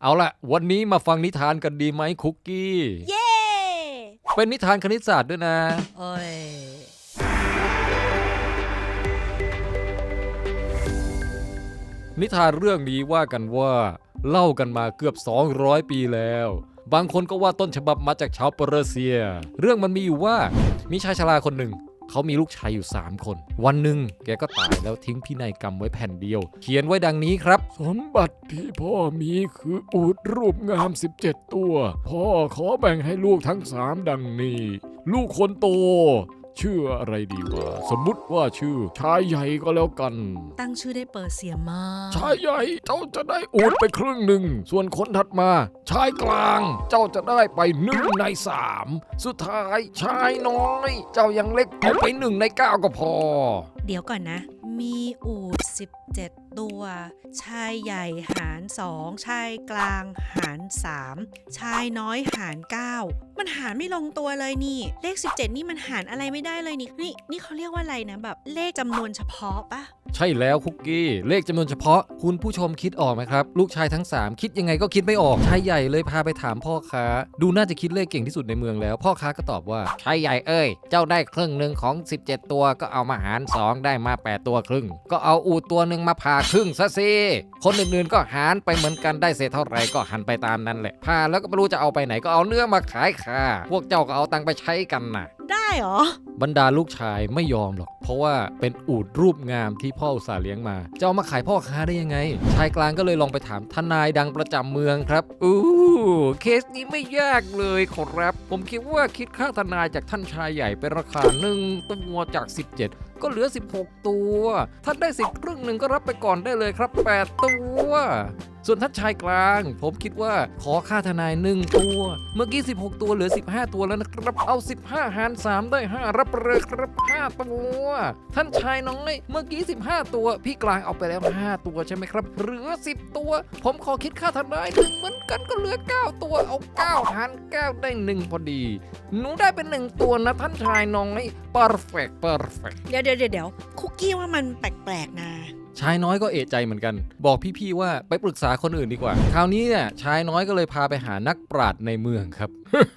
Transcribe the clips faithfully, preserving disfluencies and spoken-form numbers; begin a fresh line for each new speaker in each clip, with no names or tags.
เอาละวันนี้มาฟังนิทานกันดีไหมคุกกี้
เย้
เป็นนิทานคณิตศาสตร์ด้วยนะ
โอ้ย
นิทานเรื่องนี้ว่ากันว่าเล่ากันมาเกือบสองร้อยปีแล้วบางคนก็ว่าต้นฉบับมาจากชาวเปอร์เซียเรื่องมันมีอยู่ว่ามีชายชราคนหนึ่งเขามีลูกชายอยู่สามคนวันหนึ่งแกก็ตายแล้วทิ้งพินัยกรรมไว้แผ่นเดียวเขียนไว้ดังนี้ครับสมบัติที่พ่อมีคืออูฐรูปงามสิบเจ็ดตัวพ่อขอแบ่งให้ลูกทั้งสามดังนี้ลูกคนโตชื่ออะไรดีวะสมมุติว่าชื่อชายใหญ่ก็แล้วกัน
ตั้งชื่อได้เปอร์เซียมาก
ชายใหญ่เจ้าจะได้อูฐไปครึ่งหนึ่งส่วนคนถัดมาชายกลางเจ้าจะได้ไปหนึ่งในสามสุดท้ายชายน้อยเจ้ายังเล็กเอาไปหนึ่งในเก้าก็พอ
เดี๋ยวก่อนนะมีอูฐสิบเจ็ดตัวชายใหญ่หารสองชายกลางหารสามชายน้อยหารเก้ามันหารไม่ลงตัวเลยนี่เลขสิบเจ็ดนี่มันหารอะไรไม่ได้เลยนี่นี่นี่เขาเรียกว่าอะไรนะแบบเลขจำนวนเฉพาะปะ
ใช่แล้วคุกกี้เลขจำนวนเฉพาะคุณผู้ชมคิดออกไหมครับลูกชายทั้งสามคิดยังไงก็คิดไม่ออกชายใหญ่เลยพาไปถามพ่อค้าดูน่าจะคิดเลขเก่งที่สุดในเมืองแล้วพ่อค้าก็ตอบว่าชายใหญ่เอ้ยเจ้าได้ครึ่งหนึ่งของสิบเจ็ดตัวก็เอามาหารสองได้มาแปดตัวครึ่งก็เอาอูฐตัวหนึ่งมาผ่าครึ่งซะสิคนอื่นๆก็หารไปเหมือนกันได้เศษเท่าไหร่ก็หันไปตามนั้นแหละผ่าแล้วก็ไม่รู้จะเอาไปไหนก็เอาเนื้อมาขายค่ะพวกเจ้าก็เอาตังค์ไปใช้กันนะ
ได้หรอบ
รรดาลูกชายไม่ยอมหรอกเพราะว่าเป็นอูฐรูปงามที่พ่ออุตส่าห์เลี้ยงมาจะเอามาขายพ่อค้าได้ยังไงชายกลางก็เลยลองไปถามทนายดังประจำเมืองครับอู้เคสนี้ไม่ยากเลยครับผมคิดว่าคิดค่าทนายจากท่านชายใหญ่เป็นราคาหนึ่งตัวจากสิบเจ็ดก็เหลือสิบหกตัวท่านได้สิทธิ์ครึ่งหนึ่งก็รับไปก่อนได้เลยครับแปดตัวส่วนท่านชายกลางผมคิดว่าขอค่าทนายหนึ่งตัวเมื่อกี้สิบหกตัวเหลือสิบห้าตัวแล้วนะครับเอาสิบห้าหารสามได้ห้ารับเลยครับห้าตัวท่านชายน้อยเมื่อกี้สิบห้าตัวพี่กลางเอาไปแล้วห้าตัวใช่ไหมครับเหลือสิบตัวผมขอคิดค่าทนายหนึ่งเหมือนกันก็เหลือเก้าตัวเอาเก้าหารเก้าได้หนึ่งพอดีหนูได้เป็นหนึ่งตัวนะท่านชายน้อย perfect perfect
เดี๋ยวเดี๋ยวเดี๋ยวคุกกี้ว่ามันแปลกๆนะ
ชายน้อยก็เอะใจเหมือนกันบอกพี่ๆว่าไปปรึกษาคนอื่นดีกว่าคราวนี้เนี่ยชายน้อยก็เลยพาไปหานักปราชญ์ในเมืองครับ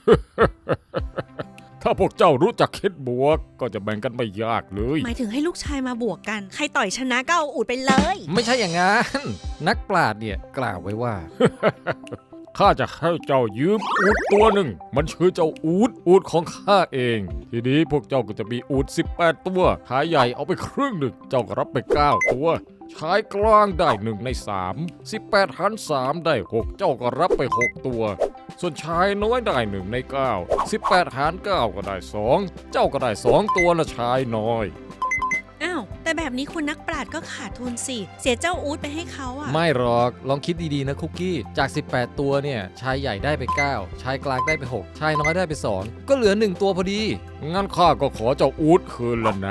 ถ้าพวกเจ้ารู้จักคิดบวกก็จะแบ่งกันไม่ยากเลย
หมายถึงให้ลูกชายมาบวกกันใครต่อยชนะก็เอาอูฐไปเลย
ไม่ใช่อย่างนั้นนักปราชญ์เนี่ยกล่าวไว้ว่า ข้าจะให้เจ้ายืมอูฐตัวหนึ่งมันชื่อเจ้าอูฐอูฐของข้าเองทีนี้พวกเจ้าก็จะมีอูฐสิบแปดตัวชายใหญ่เอาไปครึ่งหนึ่งเจ้าก็รับไปเก้าตัวชายกลางได้หนึ่งในสาม สิบแปดหารสามได้หกเจ้าก็รับไปหกตัวส่วนชายน้อยได้หนึ่งในเก้า สิบแปดหารเก้าก็ได้สองเจ้าก็ได้สองตัวละชายน้อย
อ้าวแต่แบบนี้คุณนักปราชญ์ก็ขาดทุนสิเสียเจ้าอูฐไปให้เขาอ่ะ
ไม่หรอกลองคิดดีๆนะคุกกี้จากสิบแปดตัวเนี่ยชายใหญ่ได้ไปเก้าชายกลางได้ไปหกชายน้อยได้ไปสองก็เหลือหนึ่งตัวพอดีงั้นข้าก็ขอเจ้าอูฐคืนแล้วนะ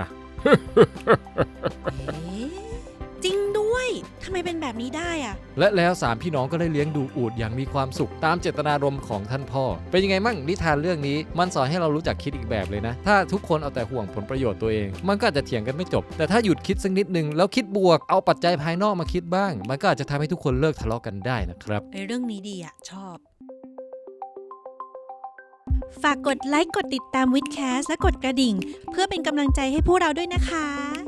จริงด้วยทำไมเป็นแบบนี้ได้อะ
และแล้วสามพี่น้องก็ได้เลี้ยงดูอูฐอย่างมีความสุขตามเจตนารมณ์ของท่านพ่อเป็นยังไงมั่งนิทานเรื่องนี้มันสอนให้เรารู้จักคิดอีกแบบเลยนะถ้าทุกคนเอาแต่ห่วงผลประโยชน์ตัวเองมันก็อาจจะเถียงกันไม่จบแต่ถ้าหยุดคิดสักนิดนึงแล้วคิดบวกเอาปัจจัยภายนอกมาคิดบ้างมันก็อาจจะทำให้ทุกคนเลิกทะเลาะกันได้นะครับ
ไอ้เรื่องนี้ดีอะชอบฝากกดไลค์กดติดตามวิดแคสและกดกระดิ่งเพื่อเป็นกำลังใจให้พวกเราด้วยนะคะ